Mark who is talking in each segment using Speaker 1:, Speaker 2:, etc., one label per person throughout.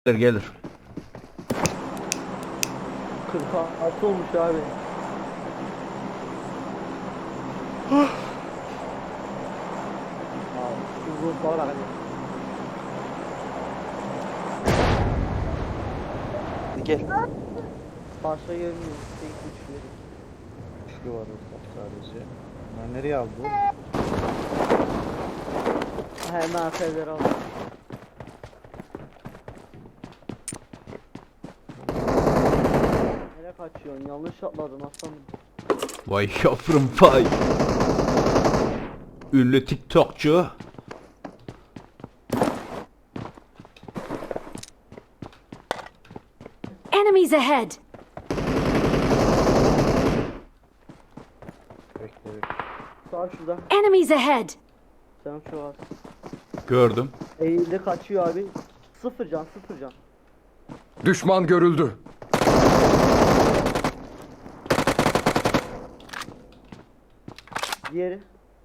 Speaker 1: Gelir.
Speaker 2: 46 olmuş abi. Abi uzun falan hadi.
Speaker 3: Gel.
Speaker 2: Başka gelmiyor. Tek güçleri.
Speaker 4: Şu var orada sadece. Ben nereye aldı?
Speaker 2: Hemen aferler aldım. Nereye kaçıyorsun? Yanlış atladın aslanım.
Speaker 1: Vay yavrum vay. Ünlü TikTokçu.
Speaker 5: Enemies ahead!
Speaker 4: Bekle bekle.
Speaker 2: Sağ şurada.
Speaker 5: Enemies ahead!
Speaker 2: Sen şu az.
Speaker 1: Gördüm.
Speaker 2: Eğildi kaçıyor abi. Sıfır can.
Speaker 6: Düşman görüldü.
Speaker 2: Diğeri.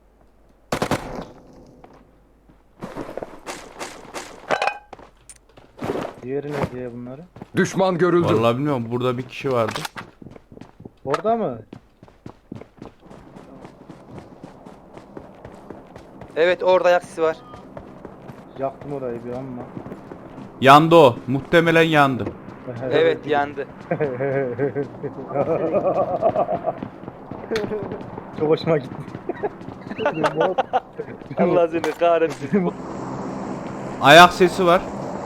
Speaker 4: Diğeri ne diye bunları?
Speaker 6: Düşman görüldü.
Speaker 1: Vallahi bilmiyorum, burada bir kişi vardı.
Speaker 4: Orada mı?
Speaker 3: Evet, orada ayak sesi var.
Speaker 4: Yaktım orayı bir ama.
Speaker 1: Yandı o. Muhtemelen yandı.
Speaker 3: Evet, yandı.
Speaker 4: Çok hoşuma gitti.
Speaker 3: Allah seni kahretsin.
Speaker 1: Ayak sesi var.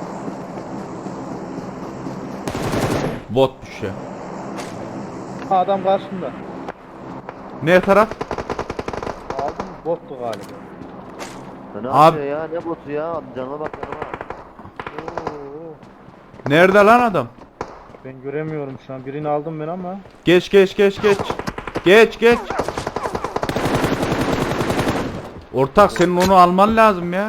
Speaker 1: Bot düşüyor.
Speaker 4: Adam karşımda.
Speaker 1: Ne taraf?
Speaker 4: Aldım bottu galiba.
Speaker 7: Ne
Speaker 1: Abi-
Speaker 7: yapıyor ya? Ne botu ya? Canıma bak canıma.
Speaker 4: Oo,
Speaker 1: Nerede lan adam?
Speaker 4: ben göremiyorum şu an. Birini aldım ben ama.
Speaker 1: Geç. Geç. Ortak, senin onu alman lazım ya.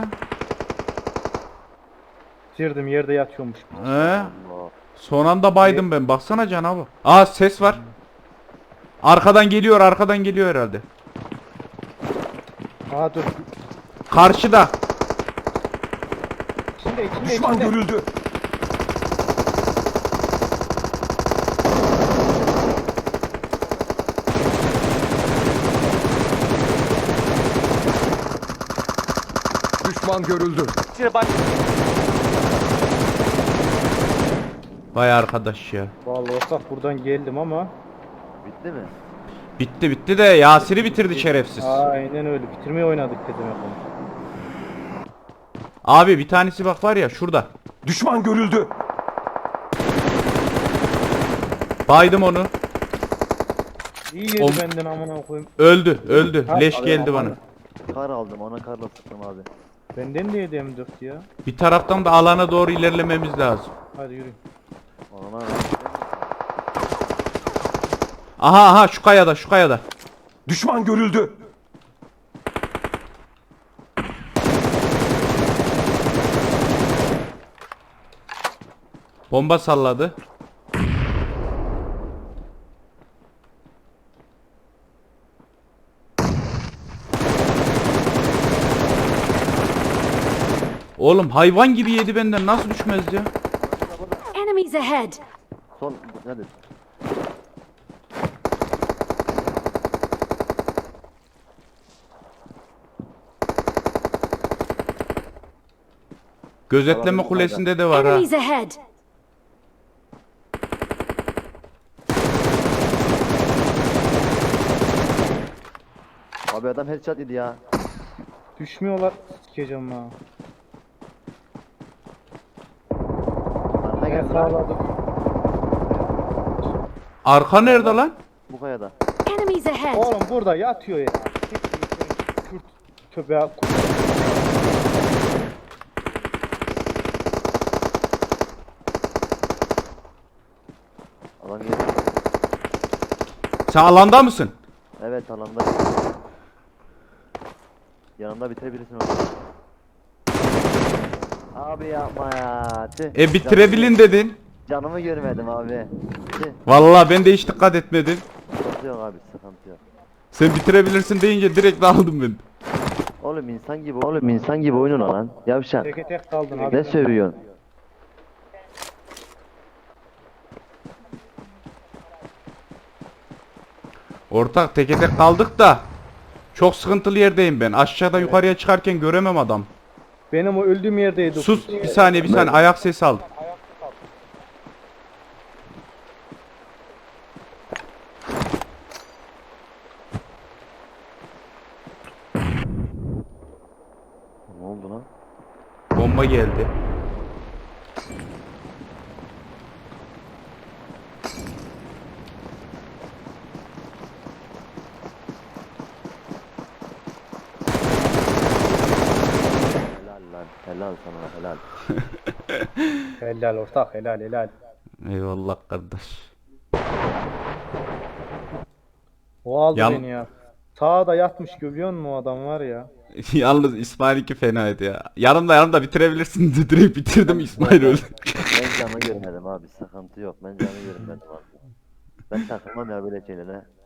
Speaker 4: Bitirdim yerde yatıyormuş.
Speaker 1: He?
Speaker 7: Allah.
Speaker 1: Son anda baydım ben. Baksana canavar. Aa, ses var. Arkadan geliyor herhalde.
Speaker 4: Aa dur.
Speaker 1: Karşıda.
Speaker 4: İçinde
Speaker 6: Düşman görüldü. Düşman görüldü.
Speaker 3: Şimdi bak.
Speaker 1: Vay arkadaş ya.
Speaker 4: Vallahi ortak buradan geldim ama.
Speaker 7: Bitti mi?
Speaker 1: Bitti de Yasir'i bitirdi şerefsiz.
Speaker 4: Aynen öyle. Bitirmeyi oynadık dedim yapalım.
Speaker 1: Abi bir tanesi bak var ya şurada.
Speaker 6: Düşman görüldü.
Speaker 1: Baydım onu.
Speaker 4: İyi yedi
Speaker 1: Oğlum-
Speaker 4: benden amına koyayım.
Speaker 1: Öldü.
Speaker 4: Ha,
Speaker 1: Leş
Speaker 4: abi,
Speaker 1: geldi
Speaker 4: aman.
Speaker 1: bana.
Speaker 7: Kar aldım ona karla sıktım abi.
Speaker 4: Benden de yedi M4 ya.
Speaker 1: Bir taraftan da alana doğru ilerlememiz lazım.
Speaker 4: Hadi yürü.
Speaker 7: Ona
Speaker 1: Aha şu kayada.
Speaker 6: Düşman görüldü.
Speaker 1: Bomba salladı. Oğlum hayvan gibi yedi benden, nasıl düşmez ya?
Speaker 5: Enemies ahead!
Speaker 7: son hadi.
Speaker 1: Gözetleme kulesinde de var ha.
Speaker 5: Enemies ahead!
Speaker 7: Abi adam headshot yedi ya.
Speaker 4: Düşmüyorlar. Sikeceğim ha.
Speaker 7: Arka
Speaker 4: Ben
Speaker 7: geldi lan.
Speaker 4: sağladım.
Speaker 1: Arka nerede lan?
Speaker 7: Bu kayada.
Speaker 5: Enemies ahead!
Speaker 4: Oğlum burada yatıyor ya. Kürt köpeğe
Speaker 7: Adam geldi.
Speaker 1: Sen alanda mısın?
Speaker 7: Evet alanda. Yanımda bitirebilirsin onu. Abi yapma ya. Tüh.
Speaker 1: Bitirebilin dedin.
Speaker 7: Canımı görmedim abi. Tüh.
Speaker 1: Vallahi ben de hiç dikkat etmedim.
Speaker 7: Sıkıntı yok abi sıkıntı yok.
Speaker 1: Sen bitirebilirsin deyince direkt aldım ben.
Speaker 7: Oğlum insan gibi oyununa lan. Yavşak.
Speaker 4: teke tek kaldın
Speaker 7: Ne
Speaker 4: abi.
Speaker 7: sövüyorsun?
Speaker 1: Ortak teke tek kaldık da. Çok sıkıntılı yerdeyim ben. Aşağıda yukarıya çıkarken göremem adam.
Speaker 4: Benim o öldüğüm yerdeydi.
Speaker 1: Sus bir saniye ayak sesi aldım.
Speaker 7: Ne oldu lan?
Speaker 1: Bomba geldi.
Speaker 7: Helal lan. Helal sana helal.
Speaker 4: Helal ortak, helal helal.
Speaker 1: Eyvallah kardeş.
Speaker 4: O aldı
Speaker 1: Yan-
Speaker 4: beni ya. Sağda yatmış görüyor musun o adam var ya.
Speaker 1: Yalnız İsmail 2 fenaydı ya. Yanımda bitirebilirsin. Direkt bitirdim İsmail öldü.
Speaker 7: Ben canı görmedim abi sıkıntı yok. Ben canı görmedim abi. Ben takılmam ya böyle şeylere.